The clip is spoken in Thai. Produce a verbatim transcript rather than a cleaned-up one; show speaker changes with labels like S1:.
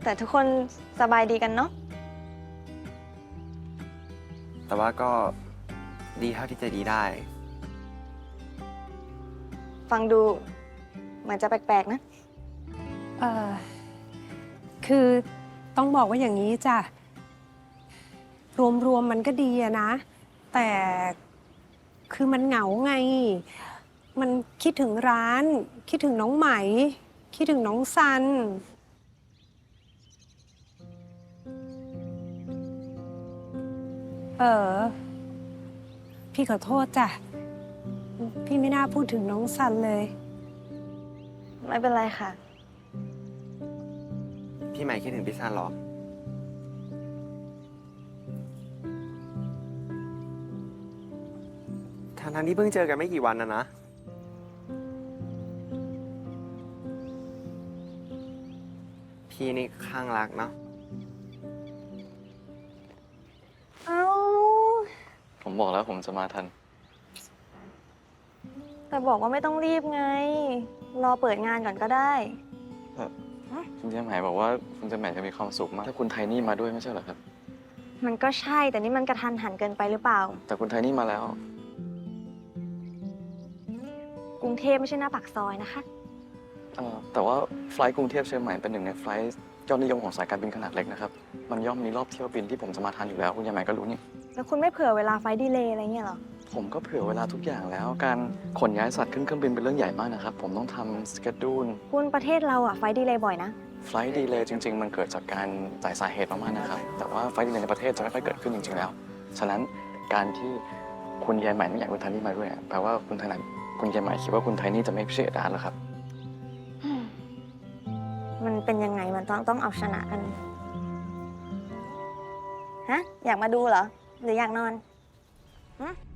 S1: แต่ทุกคนสบายดีกันเนาะ
S2: แต่ว่าก็ดีเท่าที่จะดีได้
S1: ฟังดูเหมือนจะแปลกๆนะ
S3: เออคือต้องบอกว่าอย่างนี้จ้ะรวมๆมันก็ดีอะนะ แต่คือมันเหงาไง มันคิดถึงร้าน คิดถึงน้องไหม คิดถึงน้องซัน เออ พี่ขอโทษจ้ะ พี่ไม่น่าพูดถึงน้องซันเลย
S1: ไม่เป็นไรค่ะ
S2: พี่ใหม่คิดถึงพี่ซันเหรอทั้งๆที่เพิ่งเจอกันไม่กี่วันนะนะ พี่นี่ข้างรักเนาะ
S1: เอ้า
S4: ผมบอกแล้วผมจะมาทัน
S1: แต่บอกว่าไม่ต้องรีบไง รอเปิดงานก่อนก็ได้
S4: คุณเจมส์หมายบอกว่าคุณเจมส์หมายจะมีความสุขมากถ้าคุณไทนี่มาด้วยไม่ใช่เหรอครับ
S1: มันก็ใช่ แต่นี่มันกระทันหันเกินไปหรือเปล่า
S4: แต่คุณไทนี่มาแล้ว
S1: กรุงเทพไม่ใช่หน้าปากซอยนะคะ
S4: เอ่อแต่ว่าไฟลท์กรุงเทพเชียงใหม่เป็นหนึ่งในไฟลท์ยอดนิยมของสายการบินขนาดเล็กนะครับ มันย่อมมีรอบเที่ยวบินที่ผมจะมาทันอยู่แล้ว คุณยายใหม่ก็รู้นี่
S1: แล้วคุณไม่เผื่อเวลาไฟล์ดีเลย์อะไรเงี้ยเหรอ
S4: ผมก็เผื่อเวลาทุกอย่างแล้ว การขนย้ายสัตว์ขึ้นเครื่องบินเป็นเรื่องใหญ่มากนะครับ ผมต้องทำสเกจดูล
S1: คุณประเทศเราอะไฟล์ดีเลย์บ่อยนะ
S4: ไฟลท์ดีเลย์จริง ๆ มันเกิดจากการจ่ายสาเหตุมากๆนะครับ แต่ว่าไฟลท์ดีเลย์ในประเทศจะไม่ค่อยเกิดขึ้นจริงๆแล้ว ฉะนั้นการที่คุณยายใหม่ไม่อยากคุณไทนี่มาด้วยอะแปลว่าคุณไทนี่คุณยายใหม่คิดว่าคุณไทนี่จะไม่เชื่อร้านแล้วครับ
S1: มันเป็นยังไง มันต้องต้องเอาชนะกัน ฮะ อยากมาดูเหรอ หรืออยากนอนฮะ